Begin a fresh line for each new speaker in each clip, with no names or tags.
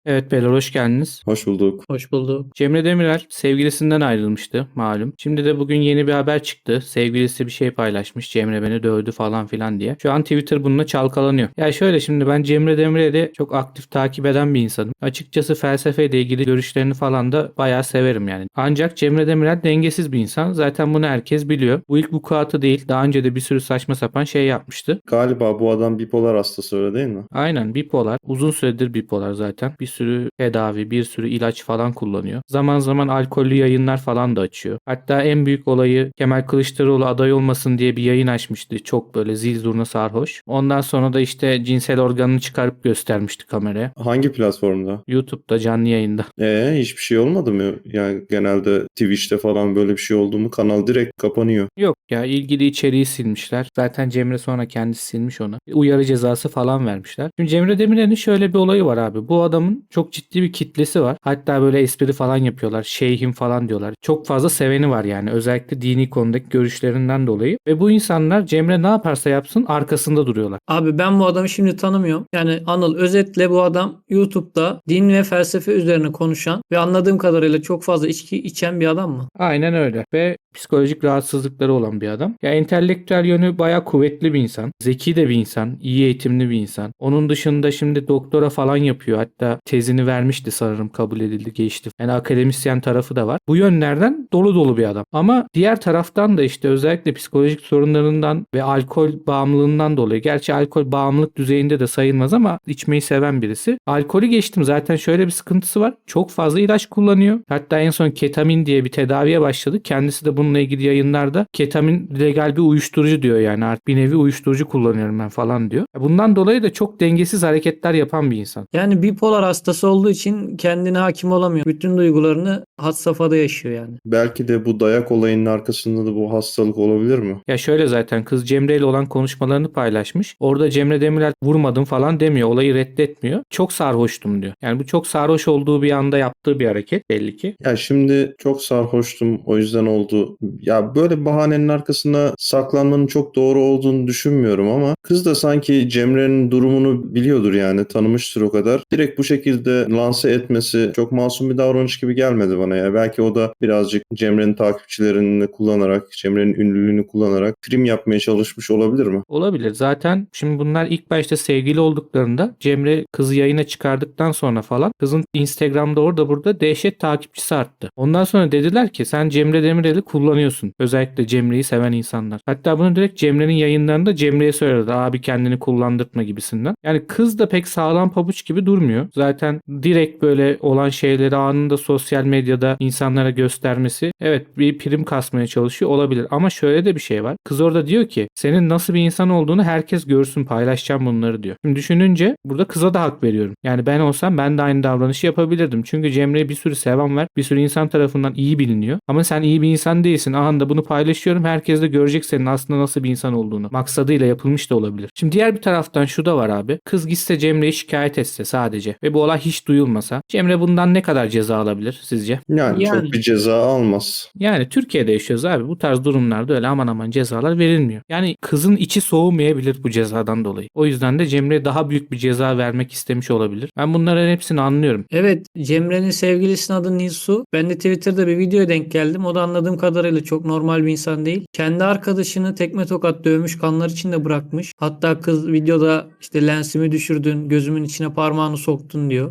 Evet beyler hoş geldiniz.
Hoş bulduk.
Hoş bulduk.
Cemre Demirel sevgilisinden ayrılmıştı malum. Şimdi de bugün yeni bir haber çıktı. Sevgilisi bir şey paylaşmış. Cemre beni dövdü falan filan diye. Şu an Twitter bununla çalkalanıyor. Ya şöyle şimdi ben Cemre Demirel'i çok aktif takip eden bir insanım. Açıkçası felsefeyle ilgili görüşlerini falan da bayağı severim yani. Ancak Cemre Demirel dengesiz bir insan. Zaten bunu herkes biliyor. Bu ilk vukuatı değil. Daha önce de bir sürü saçma sapan şey yapmıştı.
Galiba bu adam bipolar hastası, öyle değil mi?
Aynen bipolar. Uzun süredir bipolar zaten. Bir sürü tedavi, bir sürü ilaç falan kullanıyor. Zaman zaman alkollü yayınlar falan da açıyor. Hatta en büyük olayı Kemal Kılıçdaroğlu aday olmasın diye bir yayın açmıştı. Çok böyle zil zurna sarhoş. Ondan sonra da işte cinsel organını çıkarıp göstermişti kameraya.
Hangi platformda?
YouTube'da canlı yayında.
Hiçbir şey olmadı mı? Yani genelde Twitch'te falan böyle bir şey oldu mu kanal direkt kapanıyor.
Yok ya ilgili içeriği silmişler. Zaten Cemre sonra kendisi silmiş onu. Uyarı cezası falan vermişler. Şimdi Cemre Demirel'in şöyle bir olayı var abi. Bu adamın çok ciddi bir kitlesi var. Hatta böyle espri falan yapıyorlar. Şeyhim falan diyorlar. Çok fazla seveni var yani. Özellikle dini konudaki görüşlerinden dolayı. Ve bu insanlar Cemre ne yaparsa yapsın arkasında duruyorlar.
Abi ben bu adamı şimdi tanımıyorum. Yani Anıl özetle bu adam YouTube'da din ve felsefe üzerine konuşan ve anladığım kadarıyla çok fazla içki içen bir adam mı?
Aynen öyle. Ve psikolojik rahatsızlıkları olan bir adam. Ya entelektüel yönü bayağı kuvvetli bir insan. Zeki de bir insan. İyi eğitimli bir insan. Onun dışında şimdi doktora falan yapıyor. Hatta tezini vermişti sanırım, kabul edildi, geçti. Yani akademisyen tarafı da var. Bu yönlerden dolu dolu bir adam. Ama diğer taraftan da işte özellikle psikolojik sorunlarından ve alkol bağımlılığından dolayı. Gerçi alkol bağımlılık düzeyinde de sayılmaz ama içmeyi seven birisi. Alkolü geçtim, zaten şöyle bir sıkıntısı var. Çok fazla ilaç kullanıyor. Hatta en son ketamin diye bir tedaviye başladı. Kendisi de bununla ilgili yayınlarda ketamin legal bir uyuşturucu diyor, yani artık bir nevi uyuşturucu kullanıyorum ben falan diyor. Bundan dolayı da çok dengesiz hareketler yapan bir insan.
Yani bipolar hastası olduğu için kendine hakim olamıyor. Bütün duygularını had safhada yaşıyor yani.
Belki de bu dayak olayının arkasında da bu hastalık olabilir mi?
Ya şöyle, zaten kız Cemre ile olan konuşmalarını paylaşmış. Orada Cemre Demirel vurmadım falan demiyor. Olayı reddetmiyor. Çok sarhoştum diyor. Yani bu çok sarhoş olduğu bir anda yaptığı bir hareket belli ki.
Ya şimdi çok sarhoştum, o yüzden oldu. Ya böyle bahanenin arkasına saklanmanın çok doğru olduğunu düşünmüyorum ama kız da sanki Cemre'nin durumunu biliyordur, yani tanımıştır o kadar. Direkt bu şekilde lanse etmesi çok masum bir davranış gibi gelmedi bana ya. Belki o da birazcık Cemre'nin takipçilerini kullanarak, Cemre'nin ünlülüğünü kullanarak prim yapmaya çalışmış olabilir mi?
Olabilir. Zaten şimdi bunlar ilk başta sevgili olduklarında Cemre kızı yayına çıkardıktan sonra falan kızın Instagram'da orada burada dehşet takipçisi arttı. Ondan sonra dediler ki sen Cemre Demirel'i kullanıyorsun. Özellikle Cemre'yi seven insanlar. Hatta bunu direkt Cemre'nin yayınlarında Cemre'ye söyledi. Abi kendini kullandırtma gibisinden. Yani kız da pek sağlam pabuç gibi durmuyor. Zaten direkt böyle olan şeyleri anında sosyal medyada insanlara göstermesi, evet, bir prim kasmaya çalışıyor olabilir. Ama şöyle de bir şey var. Kız orada diyor ki senin nasıl bir insan olduğunu herkes görsün, paylaşacağım bunları diyor. Şimdi düşününce burada kıza da hak veriyorum. Yani ben olsam ben de aynı davranışı yapabilirdim. Çünkü Cemre'ye bir sürü seven var. Bir sürü insan tarafından iyi biliniyor. Ama sen iyi bir insan değilsin. Anında bunu paylaşıyorum. Herkes de görecek senin aslında nasıl bir insan olduğunu. Maksadıyla yapılmış da olabilir. Şimdi diğer bir taraftan şu da var abi. Kız gitse Cemre'yi şikayet etse sadece ve bu olay hiç duyulmasa, Cemre bundan ne kadar ceza alabilir sizce?
Yani çok
Yani
bir ceza almaz.
Yani Türkiye'de yaşıyoruz abi. Bu tarz durumlarda öyle aman aman cezalar verilmiyor. Yani kızın içi soğumayabilir bu cezadan dolayı. O yüzden de Cemre'ye daha büyük bir ceza vermek istemiş olabilir. Ben bunların hepsini anlıyorum.
evet, Cemre'nin sevgilisinin adı Nilsu. Ben de Twitter'da bir videoya denk geldim. O da anladığım kadarıyla çok normal bir insan değil. Kendi arkadaşını tekme tokat dövmüş, kanlar içinde bırakmış. Hatta kız videoda işte lensimi düşürdün, gözümün içine parmağını soktun diyor.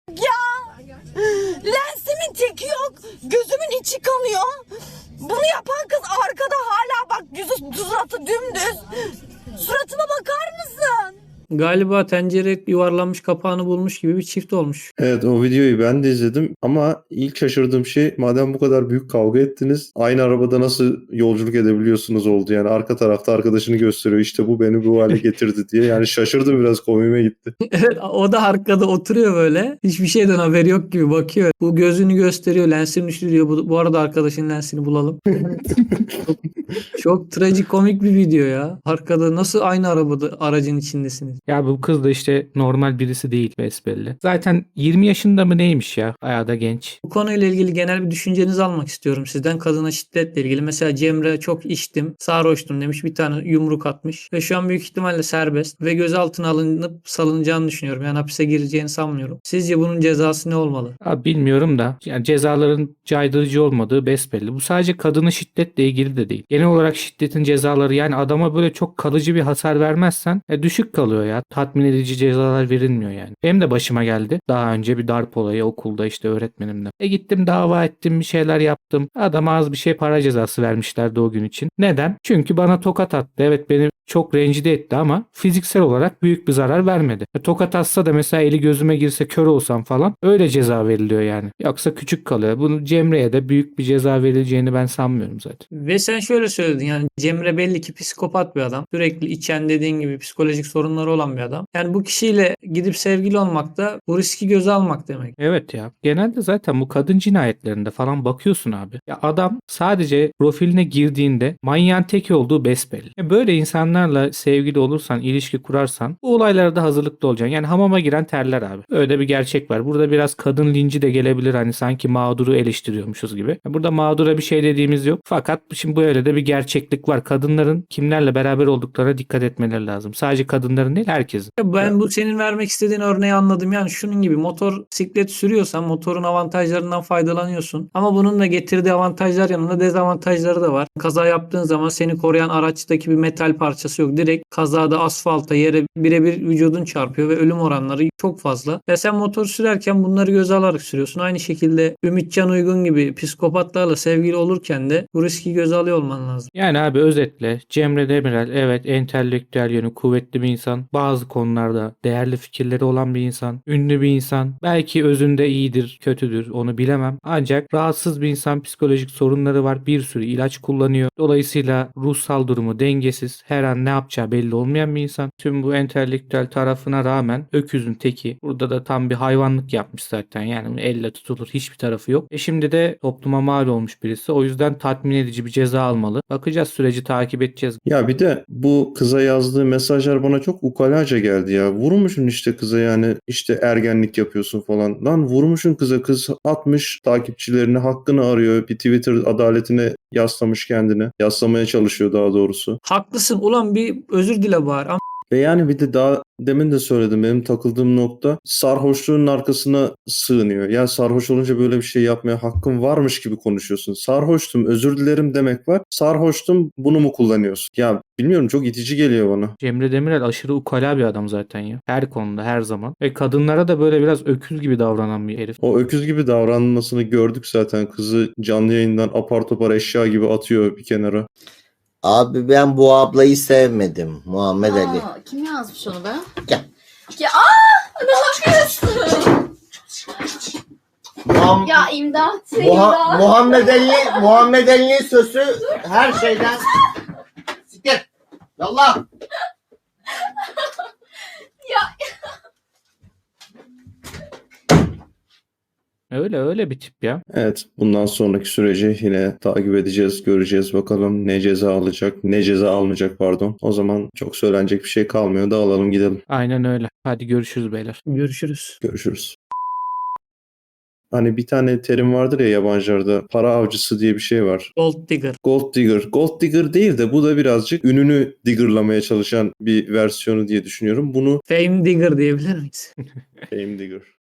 Lensimin teki yok. Gözümün içi kanıyor. Bunu yapan kız arkada hala bak, yüzü suratı dümdüz. Suratıma bakar mısın?
Galiba tencere yuvarlanmış kapağını bulmuş gibi bir çift olmuş.
Evet, o videoyu ben de izledim ama ilk şaşırdığım şey, madem bu kadar büyük kavga ettiniz, aynı arabada nasıl yolculuk edebiliyorsunuz oldu. Yani arka tarafta arkadaşını gösteriyor, işte bu beni bu hale getirdi diye. Yani şaşırdım, biraz komiğime gitti.
Evet, o da arkada oturuyor böyle. Hiçbir şeyden haberi yok gibi bakıyor. Bu gözünü gösteriyor. Lensini düşürüyor. Bu arada arkadaşın lensini bulalım. Çok trajikomik bir video ya. Arkada nasıl aynı aracın içindesiniz?
Ya bu kız da işte normal birisi değil besbelli. Zaten 20 yaşında mı neymiş ya? Bayağı da genç.
Bu konuyla ilgili genel bir düşüncenizi almak istiyorum sizden. Kadına şiddetle ilgili. Mesela Cemre çok içtim, sarhoştum demiş. Bir tane yumruk atmış. Ve şu an büyük ihtimalle serbest. Ve gözaltına alınıp salınacağını düşünüyorum. Yani hapise gireceğini sanmıyorum. Sizce bunun cezası ne olmalı?
Abi bilmiyorum da yani cezaların caydırıcı olmadığı besbelli. Bu sadece kadına şiddetle ilgili de değil. Genel olarak şiddetin cezaları yani adama böyle çok kalıcı bir hasar vermezsen düşük kalıyor ya. Tatmin edici cezalar verilmiyor yani. Benim de başıma geldi. Daha önce bir darp olayı okulda işte öğretmenimle. Gittim dava ettim bir şeyler yaptım. Adama az bir şey para cezası vermişlerdi o gün için. Neden? Çünkü bana tokat attı. Evet beni çok rencide etti ama fiziksel olarak büyük bir zarar vermedi. Tokat atsa da mesela eli gözüme girse kör olsam falan öyle ceza veriliyor yani. Yoksa küçük kalıyor. Bunu Cemre'ye de büyük bir ceza verileceğini ben sanmıyorum zaten.
Ve sen şöyle söyledin yani Cemre belli ki psikopat bir adam. Sürekli içen dediğin gibi psikolojik sorunları olan bir adam. Yani bu kişiyle gidip sevgili olmak da bu riski göze almak demek.
Evet ya. Genelde zaten bu kadın cinayetlerinde falan bakıyorsun abi. Ya adam sadece profiline girdiğinde manyağın teki olduğu besbelli. Böyle insanlarla sevgili olursan, ilişki kurarsan bu olaylara da hazırlıklı olacaksın. Yani hamama giren terler abi. Öyle bir gerçek var. Burada biraz kadın linci de gelebilir hani sanki mağduru eleştiriyormuşuz gibi. Burada mağdura bir şey dediğimiz yok. Fakat şimdi böyle de bir gerçeklik var. Kadınların kimlerle beraber olduklarına dikkat etmeleri lazım. Sadece kadınların değil herkesin.
Ben bu senin vermek istediğin örneği anladım. Yani şunun gibi motosiklet sürüyorsan motorun avantajlarından faydalanıyorsun. Ama bunun da getirdiği avantajlar yanında dezavantajları da var. Kaza yaptığın zaman seni koruyan araçtaki bir metal parçası yok. Direkt kazada asfalta yere birebir vücudun çarpıyor ve ölüm oranları çok fazla. Ve sen motor sürerken bunları göze alarak sürüyorsun. Aynı şekilde Ümitcan Uygun gibi psikopatlarla sevgili olurken de bu riski göze alıyor olman lazım.
Yani abi özetle Cemre Demirel evet entelektüel yönü kuvvetli bir insan. Bazı konularda değerli fikirleri olan bir insan. Ünlü bir insan. Belki özünde iyidir, kötüdür onu bilemem. Ancak rahatsız bir insan psikolojik sorunları var. Bir sürü ilaç kullanıyor. Dolayısıyla ruhsal durumu dengesiz. Her an ne yapacağı belli olmayan bir insan. Tüm bu entelektüel tarafına rağmen öküzün teki. Burada da tam bir hayvanlık yapmış zaten. Yani elle tutulur hiçbir tarafı yok. Şimdi de topluma mal olmuş birisi. O yüzden tatmin edici bir ceza almalı. Bakacağız süreci takip edeceğiz.
Ya bir de bu kıza yazdığı mesajlar bana çok ukalaca geldi ya. Vurmuşsun işte kıza yani işte ergenlik yapıyorsun falan. Lan vurmuşsun kız atmış takipçilerini hakkını arıyor. Bir Twitter adaletine yaslamış kendini. Yaslamaya çalışıyor daha doğrusu.
Haklısın ulan bir özür dile bari.
Ve yani bir de daha demin de söyledim benim takıldığım nokta sarhoşluğun arkasına sığınıyor. Ya sarhoş olunca böyle bir şey yapmaya hakkın varmış gibi konuşuyorsun. Sarhoştum özür dilerim demek var. Sarhoştum bunu mu kullanıyorsun? Ya bilmiyorum çok itici geliyor bana.
Cemre Demirel aşırı ukala bir adam zaten ya. Her konuda her zaman. Ve kadınlara da böyle biraz öküz gibi davranan bir herif.
O öküz gibi davranmasını gördük zaten. Kızı canlı yayından apar topar eşya gibi atıyor bir kenara.
Abi ben bu ablayı sevmedim. Muhammed Ali.
Kim yazmış onu be?
Gel.
Ya ne yapıyorsun? Ya imdat. İmdat.
Muhammed Ali'nin sözü her şeyden. Siktir. Yallah.
Öyle bir tip ya.
Evet bundan sonraki süreci yine takip edeceğiz, göreceğiz bakalım ne ceza alacak, ne ceza almayacak pardon. O zaman çok söylenecek bir şey kalmıyor. Dağılalım gidelim.
Aynen öyle. Hadi görüşürüz beyler.
Görüşürüz.
Görüşürüz. Hani bir tane terim vardır ya yabancılarda para avcısı diye bir şey var.
Gold digger.
Gold digger. Gold digger değil de bu da birazcık ününü diggerlamaya çalışan bir versiyonu diye düşünüyorum. Bunu
Fame digger diyebilir miyiz?
fame digger.